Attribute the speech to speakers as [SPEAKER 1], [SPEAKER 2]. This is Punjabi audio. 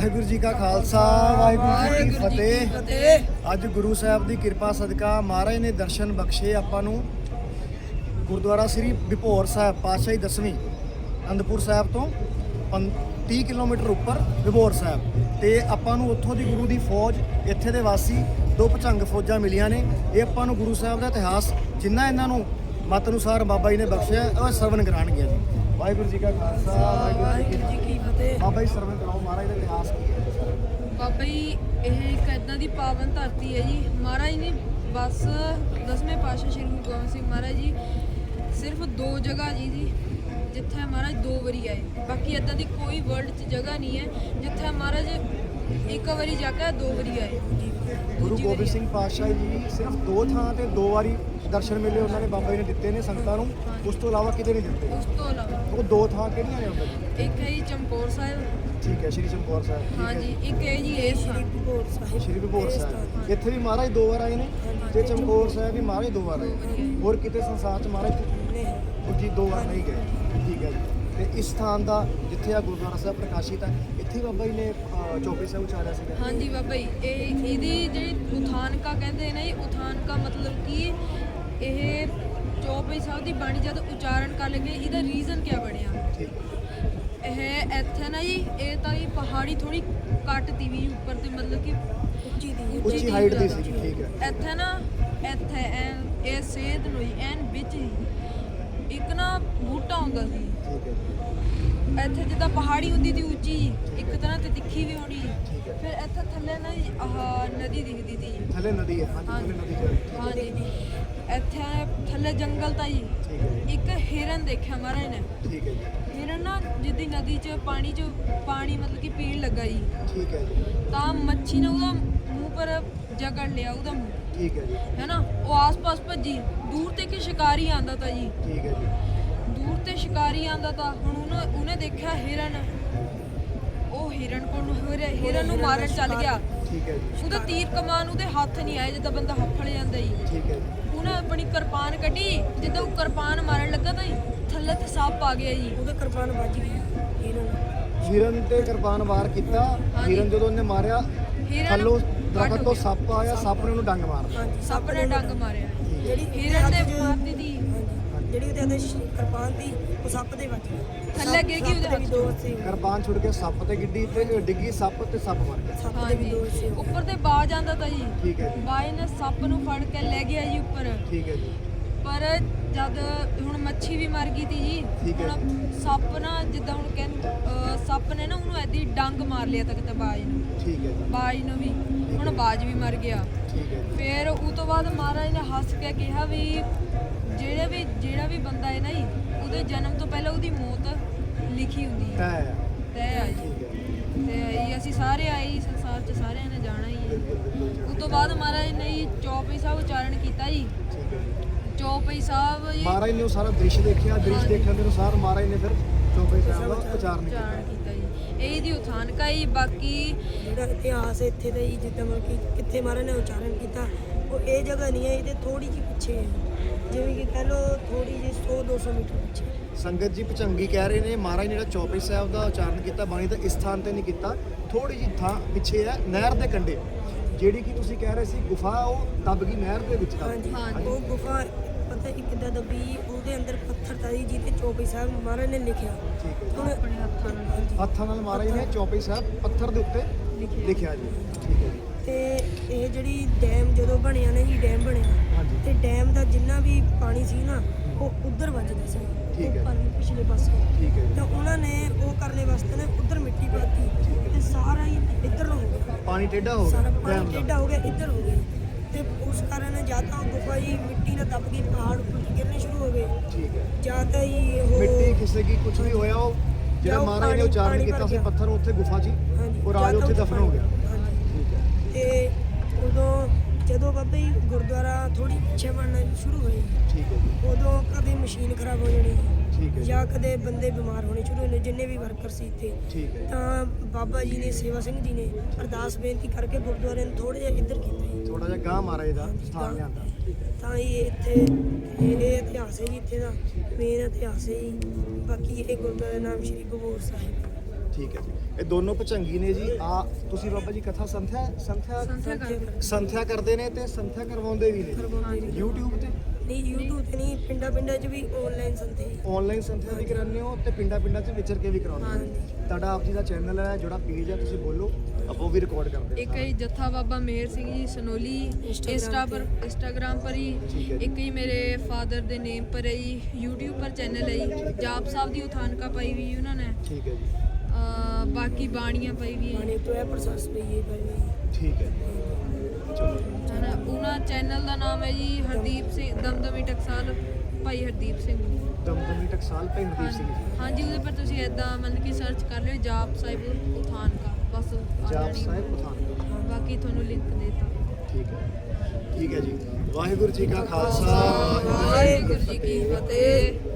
[SPEAKER 1] ਵਾਹਿਗੁਰੂ ਜੀ ਕਾ ਖਾਲਸਾ ਵਾਹਿਗੁਰੂ ਜੀ ਕੀ ਫਤਿਹ। ਅੱਜ ਗੁਰੂ ਸਾਹਿਬ ਦੀ ਕਿਰਪਾ ਸਦਕਾ ਮਹਾਰਾਜ ਨੇ ਦਰਸ਼ਨ ਬਖਸ਼ੇ ਆਪਾਂ ਨੂੰ। ਗੁਰਦੁਆਰਾ ਸ੍ਰੀ ਵਿਭੋਰ ਸਾਹਿਬ ਪਾਤਸ਼ਾਹੀ 10ਵੀਂ ਅਨੰਦਪੁਰ ਸਾਹਿਬ ਤੋਂ 30 ਕਿਲੋਮੀਟਰ ਉੱਪਰ ਵਿਭੋਰ ਸਾਹਿਬ ਤੇ ਆਪਾਂ ਨੂੰ ਉੱਥੋਂ ਦੀ ਗੁਰੂ ਦੀ ਫੌਜ, ਇੱਥੇ ਦੇ ਵਾਸੀ ਦੋ ਭਚੰਗ ਫੌਜਾਂ ਮਿਲੀਆਂ ਨੇ। ਇਹ ਆਪਾਂ ਨੂੰ ਗੁਰੂ ਸਾਹਿਬ ਦਾ ਇਤਿਹਾਸ ਜਿੰਨਾ ਇਹਨਾਂ ਨੂੰ ਮਤ ਅਨੁਸਾਰ ਬਾਬਾ ਜੀ ਨੇ ਬਖਸ਼ਿਆ ਉਹ ਸਰਵਣ ਕਰਾਉਣਗੇ ਜੀ। ਵਾਹਿਗੁਰੂ ਜੀ ਕਾ ਖਾਲਸਾ ਵਾਹਿਗੁਰੂ ਜੀ ਕੀ ਫਤਿਹ। ਬਾਬਾ ਜੀ ਸਰਵਣ ਕਰਾਓ ਮਹਾਰਾਜ ਦਾ ਇਤਿਹਾਸ ਕੀ ਹੈ।
[SPEAKER 2] ਬਾਬਾ ਜੀ ਇਹ ਇੱਕ ਇੱਦਾਂ ਦੀ ਪਾਵਨ ਧਰਤੀ ਹੈ ਜੀ। ਮਹਾਰਾਜ ਨੇ ਬਸ 10ਵੇਂ ਪਾਤਸ਼ਾਹ ਸ਼੍ਰੀ ਗੁਰੂ ਗੋਬਿੰਦ ਸਿੰਘ ਮਹਾਰਾਜ ਜੀ ਸਿਰਫ ਦੋ ਜਗ੍ਹਾ ਜੀ ਜਿੱਥੇ ਮਹਾਰਾਜ ਦੋ ਵਾਰੀ ਆਏ। ਬਾਕੀ ਇੱਦਾਂ ਦੀ ਕੋਈ ਵਰਲਡ 'ਚ ਜਗ੍ਹਾ ਨਹੀਂ ਹੈ ਜਿੱਥੇ ਮਹਾਰਾਜ ਇੱਕ ਵਾਰੀ ਜਾ ਕੇ ਦੋ ਵਾਰੀ ਆਏ।
[SPEAKER 1] ਗੁਰੂ ਗੋਬਿੰਦ ਸਿੰਘ ਪਾਤਸ਼ਾਹ ਜੀ ਸਿਰਫ ਦੋ ਥਾਂ ਤੇ ਦੋ ਵਾਰੀ ਦਰਸ਼ਨ ਮਿਲੇ ਉਹਨਾਂ ਨੇ ਬਾਬਾ ਜੀ ਨੇ ਦਿੱਤੇ ਨੇ ਸੰਗਤਾਂ ਨੂੰ। ਉਸ ਤੋਂ ਇਲਾਵਾ ਕਿਤੇ ਨਹੀਂ ਦਿੱਤੇ।
[SPEAKER 2] ਉਸ ਤੋਂ ਇਲਾਵਾ
[SPEAKER 1] ਉਹ ਦੋ ਥਾਂ ਕਿਹੜੀਆਂ ਨੇ ਉਹਨਾਂ ਦੀ?
[SPEAKER 2] ਇੱਕ ਹੈ ਜੀ ਚਮਕੌਰ ਸਾਹਿਬ,
[SPEAKER 1] ਠੀਕ ਹੈ, ਸ਼੍ਰੀ ਚਮਕੌਰ ਸਾਹਿਬ।
[SPEAKER 2] ਹਾਂਜੀ। ਇੱਕ ਹੈ ਜੀ ਇਹ
[SPEAKER 1] ਸ਼੍ਰੀ ਵਿਭੋਰ ਸਾਹਿਬ, ਇੱਥੇ ਵੀ ਮਹਾਰਾਜ ਦੋ ਵਾਰ ਆਏ ਨੇ ਤੇ ਚਮਕੌਰ ਸਾਹਿਬ ਵੀ ਮਹਾਰਾਜ ਦੋ ਵਾਰ ਆਏ। ਹੋਰ ਕਿਤੇ ਸੰਸਾਰ 'ਚ ਮਹਾਰਾਜ ਜੀ ਦੋ ਵਾਰ ਨਹੀਂ ਗਏ। ਠੀਕ ਹੈ ਜੀ। ਤੇ ਇਸ ਸਥਾਨ ਦਾ ਜਿੱਥੇ ਆ ਗੁਰਦੁਆਰਾ ਸਾਹਿਬ ਪ੍ਰਕਾਸ਼ਿਤ ਹੈ, ਇੱਥੇ ਬਾਬਾ ਜੀ ਨੇ ਚੌਪਈ ਸਾਹਿਬ ਉਚਾਰਿਆ ਸੀਗਾ।
[SPEAKER 2] ਹਾਂਜੀ ਬਾਬਾ ਜੀ, ਇਹਦੀ ਜਿਹੜੀ ਉਥਾਨਕਾ ਕਹਿੰਦੇ ਨੇ, ਉਥਾਨਕਾ ਮਤਲਬ ਕਿ ਇਹ ਚੌਪਈ ਸਾਹਿਬ ਦੀ ਬਾਣੀ ਜਦ ਉਚਾਰਨ ਕਰ ਲਗੇ ਇਹਦਾ ਰੀਜ਼ਨ ਕੀ ਬਣਿਆ। ਇਹ ਇੱਥੇ ਨਾ ਜੀ ਇਹ ਤਾਂ ਜੀ ਪਹਾੜੀ ਥੋੜੀ ਘੱਟ ਤੀ ਵੀ ਉੱਪਰ ਤੇ ਮਤਲਬ ਕਿ
[SPEAKER 1] ਉੱਚੀ ਹਾਈਟ ਦੀ ਸੀ। ਠੀਕ ਹੈ।
[SPEAKER 2] ਇੱਥੇ ਨਾ ਇੱਥੇ ਇਹ ਸੇਧ ਨੂੰ ਐਨ ਵਿੱਚ ਹੀ ਇੱਕ ਨਾ ਬੂਟਾ ਹੁੰਦਾ ਸੀ।
[SPEAKER 1] ਠੀਕ ਹੈ।
[SPEAKER 2] ਇੱਥੇ ਜਿੱਦਾਂ ਪਹਾੜੀ ਹੁੰਦੀ ਸੀ ਉੱਚੀ, ਇੱਕ ਤਰ੍ਹਾਂ ਤੇ ਤਿੱਖੀ ਵੀ ਹੋਣੀ। ਫਿਰ ਇੱਥੇ ਥੱਲੇ ਨਾ ਆਹ ਨਦੀ ਦਿਖਦੀ ਸੀ।
[SPEAKER 1] ਥੱਲੇ ਨਦੀ ਹੈ। ਹਾਂਜੀ, ਥੱਲੇ ਨਦੀ ਜਾ।
[SPEAKER 2] ਹਾਂਜੀ। ਇੱਥੇ ਥੱਲੇ ਜੰਗਲ ਤਾਂ ਜੀ।
[SPEAKER 1] ਠੀਕ ਹੈ।
[SPEAKER 2] ਇੱਕ ਹਿਰਨ ਦੇਖਿਆ ਮਹਾਰਾਜ ਨੇ।
[SPEAKER 1] ਠੀਕ ਹੈ ਜੀ।
[SPEAKER 2] ਹਿਰਨ ਨਾ ਜਿੱਦੀ ਨਦੀ 'ਚ ਪਾਣੀ ਮਤਲਬ ਕਿ ਪੀਣ ਲੱਗਾ ਜੀ।
[SPEAKER 1] ਠੀਕ ਹੈ ਜੀ।
[SPEAKER 2] ਤਾਂ ਮੱਛੀ ਨੇ ਉਹਦਾ ਮੂੰਹ ਪਰ ਜਕੜ ਲਿਆ ਉਹਦਾ ਮੂੰਹ।
[SPEAKER 1] ਠੀਕ ਹੈ ਜੀ।
[SPEAKER 2] ਹੈ ਨਾ, ਉਹ ਆਸ-ਪਾਸ ਭੱਜੀ। ਦੂਰ ਤੇ ਕਿ ਸ਼ਿਕਾਰੀ ਆਂਦਾ ਤਾ ਜੀ।
[SPEAKER 1] ਠੀਕ ਹੈ ਜੀ।
[SPEAKER 2] ਦੂਰ ਤੇ ਸ਼ਿਕਾਰੀ ਆਂਦਾ ਤਾ। ਹੁਣ ਉਹਨੇ ਦੇਖਿਆ ਹਿਰਨ, ਉਹ ਹਿਰਨ ਨੂੰ ਮਾਰਨ ਚੱਲ ਗਿਆ।
[SPEAKER 1] ਠੀਕ ਹੈ ਜੀ।
[SPEAKER 2] ਉਹਦਾ ਤੀਰ ਕਮਾਨ ਉਹਦੇ ਹੱਥ ਨਹੀਂ ਆਏ ਜਿੱਦਾਂ ਬੰਦਾ ਹੱਫੜ ਜਾਂਦਾ ਜੀ।
[SPEAKER 1] ਠੀਕ ਹੈ ਜੀ।
[SPEAKER 2] ਉਹਨੇ ਆਪਣੀ ਕਿਰਪਾਨ ਕੱਢੀ, ਜਿੱਦਾਂ ਉਹ ਕਿਰਪਾਨ ਮਾਰਨ ਲੱਗਾ ਤਾਂ ਥੱਲੇ ਤੇ ਸੱਪ ਆ ਗਿਆ ਜੀ। ਉਹਦੇ ਕਿਰਪਾਨ ਵੱਜ ਗਈ
[SPEAKER 1] ਹਿਰਨ ਤੇ ਕਿਰਪਾਨ ਵਾਰ ਕੀਤਾ। ਹਿਰਨ ਜਦੋਂ ਉਹਨੇ ਮਾਰਿਆ ਥੱਲੋਂ ਦਰਖਤ ਤੋਂ ਸੱਪ ਆਇਆ, ਸੱਪ ਨੇ ਉਹਨੂੰ ਡੰਗ ਮਾਰਦਾ।
[SPEAKER 2] ਸੱਪ ਨੇ ਡੰਗ ਮਾਰਿਆ। ਜਿਹੜੀ ਹਿਰਨ ਨੇ ਮਾਰਦੀ ਦੀ
[SPEAKER 3] ਜਿਹੜੀ ਉਹਦੇ ਹੱਥ ਕਿਰਪਾਨ ਦੀ ਉਹ ਸੱਪ ਦੇ ਵੱਜ ਗਈ।
[SPEAKER 2] ਥੱਲੇ ਗਿਰ ਗਈ ਉਹਦੇ ਹੱਥ।
[SPEAKER 1] ਕਿਰਪਾਨ ਛੁੱਟ ਕੇ ਸੱਪ ਤੇ ਗਿੱਡੀ ਤੇ ਡਿੱਗੀ ਸੱਪ ਤੇ ਸੱਪ ਮਰ ਗਿਆ।
[SPEAKER 3] ਸੱਪ ਦੇ ਵੀ ਦੋ ਹਿੱਸੇ ਹੋ
[SPEAKER 2] ਉੱਪਰ ਤੇ ਬਾਜ ਆਂਦਾ ਤਾ ਜੀ।
[SPEAKER 1] ਠੀਕ ਹੈ ਜੀ।
[SPEAKER 2] ਬਾਜ ਨੇ ਸੱਪ ਨੂੰ ਫੜ ਕੇ ਲੈ ਗਿਆ ਜੀ ਉੱਪਰ।
[SPEAKER 1] ਠੀਕ ਹੈ ਜੀ।
[SPEAKER 2] ਪਰ ਜਦ ਹੁਣ ਮੱਛੀ ਵੀ ਮਰ ਗਈ ਤੀ ਜੀ।
[SPEAKER 1] ਠੀਕ ਹੈ।
[SPEAKER 2] ਹੁਣ ਸੱਪ ਨਾ ਜਿੱਦਾਂ ਹੁਣ ਕਹਿੰਦੇ ਸੱਪ ਨੇ ਨਾ ਉਹਨੂੰ ਐਦੀ ਡੰਗ ਮਾਰ ਲਿਆ ਤੱਕ ਤੇ ਬਾਜ ਨੂੰ।
[SPEAKER 1] ਠੀਕ ਹੈ ਜੀ।
[SPEAKER 2] ਬਾਜ ਨੂੰ ਵੀ ਹੁਣ ਬਾਜ ਵੀ ਮਰ ਗਿਆ।
[SPEAKER 1] ਠੀਕ ਹੈ ਜੀ।
[SPEAKER 2] ਫਿਰ ਉਹ ਤੋਂ ਬਾਅਦ ਮਹਾਰਾਜ ਨੇ ਹੱਸ ਕੇ ਕਿਹਾ ਵੀ ਜਿਹੜਾ ਵੀ ਬੰਦਾ ਹੈ ਨਾ ਜੀ, ਉਹਦੇ ਜਨਮ ਤੋਂ ਪਹਿਲਾਂ ਉਹਦੀ ਮੌਤ ਲਿਖੀ ਹੁੰਦੀ ਹੈ। ਤੈਅ ਆ ਜੀ। ਤੇ ਅਸੀਂ ਸਾਰੇ ਆਏ ਜੀ, ਸੰਸਾਰ 'ਚ ਸਾਰਿਆਂ ਨੇ ਜਾਣਾ ਹੀ ਹੈ। ਉਸ ਤੋਂ ਬਾਅਦ ਮਹਾਰਾਜ ਨੇ ਜੀ ਚੌਪਈ ਸਾਹਿਬ ਉਚਾਰਨ ਕੀਤਾ ਜੀ। ਚੌਪਈ ਸਾਹਿਬ ਜੀ
[SPEAKER 1] ਮਹਾਰਾਜ ਨੇ ਉਹ ਸਾਰਾ ਦ੍ਰਿਸ਼ ਦੇਖਿਆ। ਦ੍ਰਿਸ਼ ਦੇਖਣ ਦੇ ਅਨੁਸਾਰ ਮਹਾਰਾਜ ਨੇ ਫਿਰ ਚੌਪਈ ਸਾਹਿਬ ਦਾ ਉਚਾਰਨ
[SPEAKER 2] ਕੀਤਾ ਜੀ। ਇਹਦੀ ਉਥਾਨਕਾ ਹੀ। ਬਾਕੀ
[SPEAKER 3] ਜਿਹੜਾ ਇਤਿਹਾਸ ਹੈ ਇੱਥੇ ਦਾ ਜੀ, ਜਿੱਦਾਂ ਮਤਲਬ ਕਿ ਕਿੱਥੇ ਮਹਾਰਾਜ ਨੇ ਉਚਾਰਨ ਕੀਤਾ ਉਹ ਇਹ ਜਗ੍ਹਾ ਨਹੀਂ ਹੈ, ਇਹਦੇ ਥੋੜੀ ਜਿਹੀ ਪਿੱਛੇ ਹੈ। ਜਿਵੇਂ ਕਿ ਕਹਿ ਲਓ ਥੋੜੀ ਜਿਹੀ 100-200 ਮੀਟਰ ਪਿੱਛੇ।
[SPEAKER 1] ਸੰਗਤ ਜੀ ਭਚੰਗੀ ਕਹਿ ਰਹੇ ਨੇ ਮਹਾਰਾਜ ਨੇ ਜਿਹੜਾ ਚੌਪਈ ਸਾਹਿਬ ਦਾ ਉਚਾਰਨ ਕੀਤਾ ਬਾਣੀ ਦਾ ਇਸ ਸਥਾਨ ਤੇ ਨਹੀਂ ਕੀਤਾ, ਥੋੜੀ ਜਿਹੀ ਥਾਂ ਪਿੱਛੇ ਹੈ ਨਹਿਰ ਦੇ ਕੰਢੇ। ਜਿਹੜੀ ਕਿ ਤੁਸੀਂ ਕਹਿ ਰਹੇ ਸੀ ਗੁਫਾ, ਉਹ ਦੱਬ ਗਈ ਨਹਿਰ ਦੇ ਵਿੱਚ।
[SPEAKER 3] ਹਾਂਜੀ, ਉਹ ਗੁਫਾ ਪਤਾ ਇੱਕ ਦਾ ਦੱਬੀ, ਉਹਦੇ ਅੰਦਰ ਪੱਥਰ ਤਾਂ ਜੀ ਜਿਹਦੇ ਚੌਪਈ ਸਾਹਿਬ ਮਹਾਰਾਜ ਨੇ ਲਿਖਿਆ। ਹੁਣ
[SPEAKER 2] ਆਪਣੇ
[SPEAKER 1] ਹੱਥਾਂ ਨਾਲ ਮਹਾਰਾਜ ਨੇ ਚੌਪਈ ਸਾਹਿਬ ਪੱਥਰ ਦੇ ਉੱਤੇ ਲਿਖਿਆ ਜੀ। ਠੀਕ ਹੈ ਜੀ।
[SPEAKER 3] ਤੇ ਇਹ ਜਿਹੜੀ ਡੈਮ ਜਦੋਂ ਬਣਿਆ ਨਾ ਜੀ, ਡੈਮ ਬਣਿਆ
[SPEAKER 1] ਹਾਂਜੀ।
[SPEAKER 3] ਤੇ ਡੈਮ ਦਾ ਜਿੰਨਾ ਵੀ ਪਾਣੀ ਸੀ ਨਾ ਉਹ ਉਧਰ ਵੱਜਦਾ ਸੀ।
[SPEAKER 1] ਠੀਕ ਹੈ।
[SPEAKER 3] ਪਿਛਲੇ ਪਾਸੇ।
[SPEAKER 1] ਠੀਕ ਹੈ
[SPEAKER 3] ਤਾਂ ਉਹਨਾਂ ਨੇ ਉਹ ਕਰਨੇ ਵਾਸਤੇ ਨੇ ਉਧਰ ਮਿੱਟੀ ਪਾਤੀ ਤੇ ਸਾਰਾ ਹੀ ਇੱਧਰ ਨੂੰ ਹੋ ਗਿਆ।
[SPEAKER 1] ਪਾਣੀ ਟੇਢਾ ਹੋ
[SPEAKER 3] ਸਾਰਾ
[SPEAKER 1] ਗਿਆ।
[SPEAKER 3] ਪਾਣੀ ਟੇਢਾ ਹੋ ਗਿਆ, ਇੱਧਰ ਹੋ ਗਿਆ। ਤੇ ਉਸ ਕਾਰਨ ਜਾਂ ਤਾਂ ਗੁਫਾ ਜੀ ਮਿੱਟੀ ਨਾਲ ਦੱਬ ਗਈ, ਪਹਾੜ ਉੱਪਰ ਗਿਰਨੇ ਸ਼ੁਰੂ ਹੋ ਗਏ।
[SPEAKER 1] ਠੀਕ ਹੈ।
[SPEAKER 3] ਜਾਂ ਤਾਂ ਜੀ ਉਹ
[SPEAKER 1] ਮਿੱਟੀ ਖਿਸਕੀ, ਕੁਝ ਵੀ ਹੋਇਆ। ਉਹ ਜਿਹੜਾ ਮਹਾਰਾਜ ਨੇ ਉਚਾਰਨ ਕੀਤਾ ਸੀ ਪੱਥਰ ਉੱਥੇ ਗੁਫਾ 'ਚ ਉਹ ਰਾਜ ਉੱਥੇ ਦਫਨ ਹੋ ਗਿਆ। ਠੀਕ ਹੈ।
[SPEAKER 3] ਤੇ ਉਦੋਂ ਜਦੋਂ ਬਾਬਾ ਜੀ ਗੁਰਦੁਆਰਾ ਥੋੜੀ ਪਿੱਛੇ ਬਣਨਾ ਸ਼ੁਰੂ ਹੋਈ,
[SPEAKER 1] ਠੀਕ ਹੈ ਜੀ।
[SPEAKER 3] ਉਦੋਂ ਕਦੇ ਮਸ਼ੀਨ ਖਰਾਬ ਹੋ ਜਾਣੀ
[SPEAKER 1] ਠੀਕ ਹੈ।
[SPEAKER 3] ਜਾਂ ਕਦੇ ਬੰਦੇ ਬਿਮਾਰ ਹੋਣੇ ਸ਼ੁਰੂ ਹੋਣੇ, ਜਿੰਨੇ ਵੀ ਵਰਕਰ ਸੀ ਇੱਥੇ।
[SPEAKER 1] ਠੀਕ ਹੈ।
[SPEAKER 3] ਤਾਂ ਬਾਬਾ ਜੀ ਨੇ, ਸੇਵਾ ਸਿੰਘ ਜੀ ਨੇ ਅਰਦਾਸ ਬੇਨਤੀ ਕਰਕੇ ਗੁਰਦੁਆਰੇ ਨੂੰ ਥੋੜੇ ਜਿਹਾ ਇੱਧਰ ਕੀਤਾ ਜੀ।
[SPEAKER 1] ਥੋੜਾ ਜਿਹਾ ਗਾਂ ਮਹਾਰਾਜ ਦਾ ਸਥਾਨ ਲਿਆਂਦਾ।
[SPEAKER 3] ਤਾਂ ਇਹ ਇੱਥੇ ਇਹ ਇਤਿਹਾਸ ਹੈ ਜੀ, ਇੱਥੇ ਦਾ ਮੇਨ ਇਤਿਹਾਸ ਹੈ ਜੀ। ਬਾਕੀ ਇਹ ਗੁਰਦੁਆਰੇ ਦਾ ਨਾਮ ਸ਼੍ਰੀ ਵਿਭੋਰ ਸਾਹਿਬ।
[SPEAKER 1] ਠੀਕ ਹੈ ਜੀ। ਇਹ ਦੋਨੋਂ ਭਚੰਗੀ ਨੇ ਜੀ। ਆ ਤੁਸੀਂ ਬਾਬਾ ਜੀ ਕਥਾ ਸੰਥਿਆ
[SPEAKER 2] ਸੰਥਿਆ ਕਰਦੇ
[SPEAKER 1] ਸੰਥਿਆ ਕਰਦੇ ਨੇ ਤੇ ਸੰਥਿਆ ਕਰਵਾਉਂਦੇ ਵੀ ਨੇ YouTube ਤੇ।
[SPEAKER 3] ਨਹੀਂ YouTube ਤੇ ਨਹੀਂ, ਪਿੰਡਾਂ 'ਚ ਵੀ ਆਨਲਾਈਨ ਸੰਤੇ
[SPEAKER 1] ਆਨਲਾਈਨ ਸੰਥਿਆ ਵੀ ਕਰਾਉਂਦੇ ਹੋ ਤੇ ਪਿੰਡਾਂ 'ਚ ਵਿਚਰ ਕੇ ਵੀ ਕਰਾਉਂਦੇ ਹੋ। ਤੁਹਾਡਾ ਆਪ ਜੀ ਦਾ ਚੈਨਲ ਹੈ, ਜਿਹੜਾ ਪੇਜ ਹੈ, ਤੁਸੀਂ ਬੋਲੋ, ਆਪਾਂ ਉਹ ਵੀ ਰਿਕਾਰਡ ਕਰਦੇ
[SPEAKER 2] एक ही जत्था बाबा मेहर सिंह जी सनोली इंस्टाग्राम पर ही,
[SPEAKER 1] ठीक है जी।
[SPEAKER 2] एक ही मेरे फादर दे नेम पर है जी, यूट्यूब पर चैनल है जी। जाप साहब दी उथानका पाई हुई है उन्होंने,
[SPEAKER 1] ਠੀਕ ਹੈ ਜੀ,
[SPEAKER 2] बाकी बाणियाँ पाई हुई
[SPEAKER 3] माने
[SPEAKER 2] है
[SPEAKER 3] तो है प्रोसेस पे ये भाई।
[SPEAKER 1] ਠੀਕ ਹੈ ਚਲੋ।
[SPEAKER 2] है ना। उन्होंने चैनल का नाम है जी हरदीप सिंह दमदमी टकसाल भाई हरदीप सिंह।
[SPEAKER 1] ਦਮਦਮੀ ਟਕਸਾਲ ਭਾਈ ਹਰਦੀਪ ਸਿੰਘ ਜੀ।
[SPEAKER 2] हाँ जी, ਉਹਦੇ पर ਤੁਸੀਂ ਇਦਾਂ ਮਤਲਬ ਕਿ ਸਰਚ ਕਰ ਲਿਓ ਜਾਪ ਸਾਹਿਬ ਉਥਾਨਕਾ, ਬਸ ਆ
[SPEAKER 1] ਜਾਪ
[SPEAKER 2] ਜਾਣੀ।
[SPEAKER 1] ਸਾਹਿਬ ਪਠਾਨਕੋਟ।
[SPEAKER 2] ਬਾਕੀ ਤੁਹਾਨੂੰ ਲਿੰਕ ਦੇ ਦਿੱਤਾ।
[SPEAKER 1] ਠੀਕ ਹੈ ਜੀ। ਵਾਹਿਗੁਰੂ ਜੀ ਕਾ ਖਾਲਸਾ,
[SPEAKER 2] ਵਾਹਿਗੁਰੂ ਜੀ ਕੀ ਫਤਿਹ।